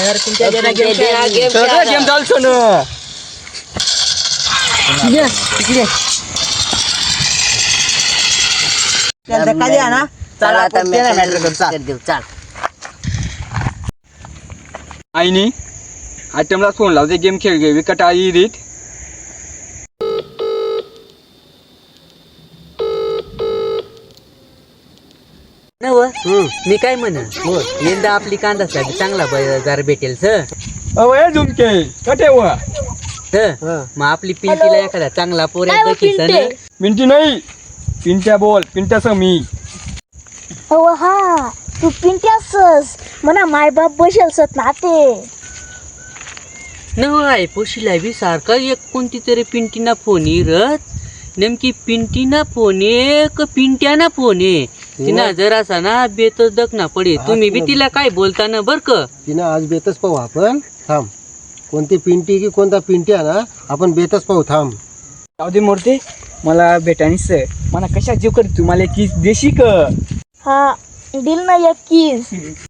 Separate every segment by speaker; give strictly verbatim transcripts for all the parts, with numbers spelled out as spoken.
Speaker 1: यार तुमच्या जरा गेम
Speaker 2: गेम
Speaker 1: सगळं गेम चालतो ना तिकडे तिकडे चल खाली ना चला आता मॅटर कर देऊ चल
Speaker 3: आईनी आयटमला फोन लावते गेम खेळ घे विकट आई रीत
Speaker 2: नव मी काय म्हण यंदा आपली कांदा साहेब चांगला बाजार भेटेल सर
Speaker 3: अवय झुमके कटे व
Speaker 2: मग आपली पिंटीला एखादा चांगला पोऱ्या
Speaker 3: पिंटी नाही पिंट्या बोल पिंट्याचं मी
Speaker 4: हो हा तू पिंट्यासस म्हणा माय बाप बसेलसत ना ते
Speaker 2: न आहे पोशीला बी सारखा एक कोणती तरी पिंटीना फोन येत नेमकी पिंटीना फोन आहे का पिंट्याना फोन आहे तिना जरासा ना बेतच दखना पडे तुम्ही बी तिला काय बोलताना बर का
Speaker 5: तिना आज बेतच पाहू आपण थांब कोणती पिंटी की कोणता पिंट्या ना आपण बेतच पाहू थांब
Speaker 3: जाऊ दे मूर्ती मला भेटानीच मला कशा जीव कर तू मला किस देशी क
Speaker 4: हा दिल ना एक किस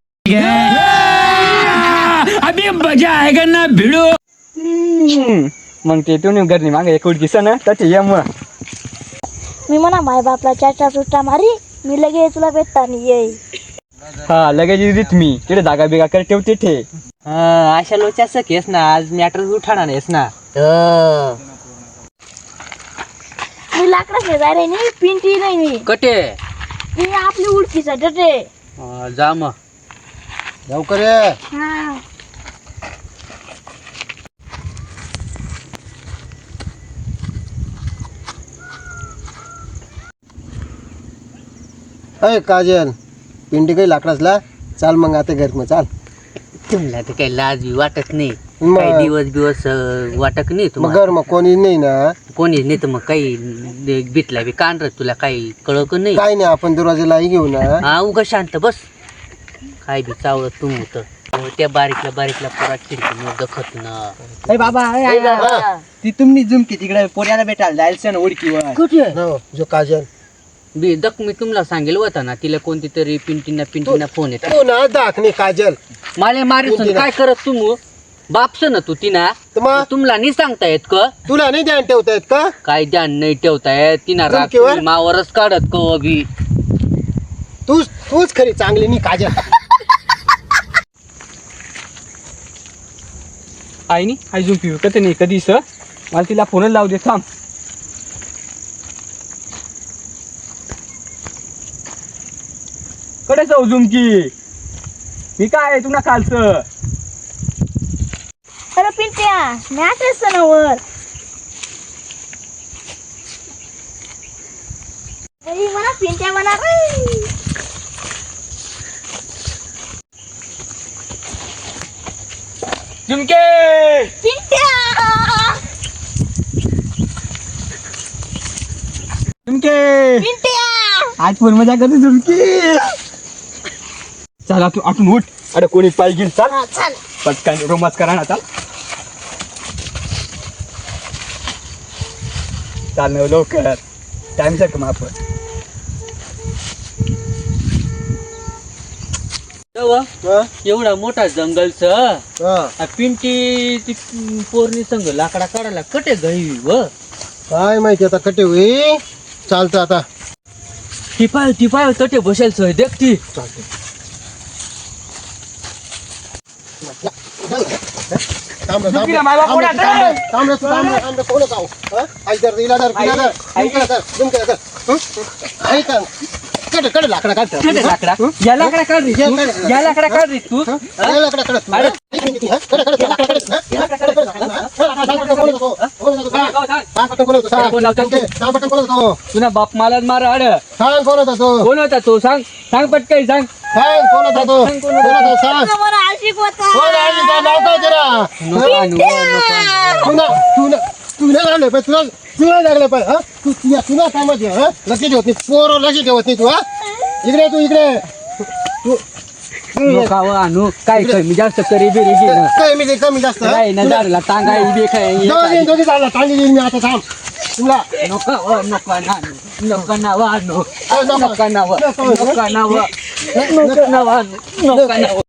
Speaker 3: अभी मजा आएगा ना भिडो मग ते तुम्ही घरनी मागे एक किस ना त्याचे यम
Speaker 4: मी म्हणा माय बापला चाचा सुट्टा मारी मी लगेच तुला भेटता नाही येई
Speaker 3: हा लगेच देत मी तिथे जागा बिगा कर ठेवते ठे
Speaker 2: अशा लोच्याच केस ना आज मॅटर उठाणार नाहीस ना
Speaker 4: मी लाकडा शेजारी रे नाही पिंटी नाही मी
Speaker 2: कटे
Speaker 4: ती आपली उडकीचा डटे
Speaker 2: जा मग
Speaker 5: लवकर ये
Speaker 4: हा
Speaker 5: अय काजल पिंटी काही लाकडासला चाल मग आता घर मग चाल
Speaker 2: तुम्हाला तर काही लाज बी वाटत नाही
Speaker 5: मग-
Speaker 2: काही दिवस दिवस अं, वाटत नाही
Speaker 5: मग
Speaker 2: तुम्हाला
Speaker 5: घर मग कोणी नाही ना
Speaker 2: कोणी नाही तर मग काही भेटला बी कान तुला काही कळक नाही
Speaker 5: काय नाही आपण दरवाजाला घेऊ ना
Speaker 2: हा उगा शांत बस काय बी चावलं तुम होत त्या बारीकला बारीकला पोरा खिडकी दखत ना
Speaker 1: ए बाबा ए, ए, ए, ती तुम्ही झुमकी तिकडे पोऱ्याला भेटायला जायचं ना उडकीवर
Speaker 2: कुठे
Speaker 5: हो, जो काजल
Speaker 2: बी दक मी तुम्हाला सांगेल होता ना तिला कोणती तरी पिंटीना पिंटीना फोन येत
Speaker 5: तू ना दाखणे काजल
Speaker 2: मला मारी
Speaker 5: पिंटीना.
Speaker 2: काय करत तुम बापस ना तू तिना
Speaker 5: तर मग
Speaker 2: तुम्हाला नाही सांगता येत का
Speaker 5: तुला नाही ध्यान ठेवता येत का
Speaker 2: काय ध्यान नाही ठेवता येत तिना
Speaker 5: झुमकीवर?
Speaker 2: रात्री मावरच काढत कव बी
Speaker 5: तूच तूच खरी चांगली नाही काजल
Speaker 3: आईनी आई झुमपी विकत नाही कधी स मला तिला फोनच लावू दे थांब कडे जाऊ झुमकी मी काय तुला खालचं
Speaker 4: अरे पिंट्या मॅच असतं ना वर बाई म्हणा पिंट्या म्हणा रे
Speaker 3: झुमके
Speaker 4: पिंट्या
Speaker 3: झुमके
Speaker 4: पिंट्या
Speaker 3: आज फोन मजा करते झुमकी चला तू आठून उठ अरे कोणी पाय घेईल चाल
Speaker 4: हा चल
Speaker 3: पटकन रोमाच करा ना चाल चाल ना लवकर टाइम साठी मग आपण
Speaker 5: हं?
Speaker 2: एवढा मोठा जंगलच
Speaker 5: हं.
Speaker 2: पिंटी ती पोरणी संग लाकडा काढायला कटे गई व
Speaker 5: काय माहिती आता कटे होई चालतं आता
Speaker 2: टिपाय टिपाय कटे बसेल सोय देख ती
Speaker 5: चालतं थांब रे, थांब रे.
Speaker 3: झुमकीला मायबा
Speaker 5: थांब रे,
Speaker 3: कोणाचं?
Speaker 5: थांब रे, थांब रे, थांब रे, थांब रे, कोण होता हो? हं? आई धर, हिला धर, हिला धर, झुमक्याला धर, झुमक्याला धर. हं? आई धर. कडे कडे लाकडा काढ
Speaker 2: कटे लाकडा या लाकडा काढ रे तू या लाकडा काढ रे तू
Speaker 5: लाकडा कडे
Speaker 2: अरे.
Speaker 5: कडे कडे लाकडा कडे लाकडा कडे कोण होतो कोण होतो सांग कोण होतो सांग
Speaker 2: कोण होता?
Speaker 5: सांग पटकन कोण होतो
Speaker 2: तुला बाप मला मार आड
Speaker 5: सांग कोण होता तो
Speaker 2: कोण होता तो सांग सांग पटकन सांग
Speaker 5: सांग कोण होता तो
Speaker 2: सांग
Speaker 5: कोण
Speaker 2: कोण होता?
Speaker 5: होता सांग
Speaker 4: मला आशिक होता
Speaker 5: कोण आहे का नाव काय जरा
Speaker 2: नको आणू, नको.
Speaker 5: तुला तुला तुला लागले पाय तुला तुला लागले पाय हा तू तुला तुला कामात आहे, हा लक्ष ठेवत नाही पोर लक्ष ठेवत नाही तू हा इकडे तू इकडे तू
Speaker 2: नको आणू काय कमी जास्त करी बिरी घे ना
Speaker 5: कमी दे कमी जास्त हा?
Speaker 2: काय ना
Speaker 5: तुला-
Speaker 2: झाडला टांगा बी काय
Speaker 5: दोघी दोघी झाला चांगली देईन मी आता थांब तुला
Speaker 2: नको व, नको ना नको ना वा नो
Speaker 5: नको.
Speaker 2: नको ना वा
Speaker 5: नको.
Speaker 2: नको ना वा नको ना वा नको ना वा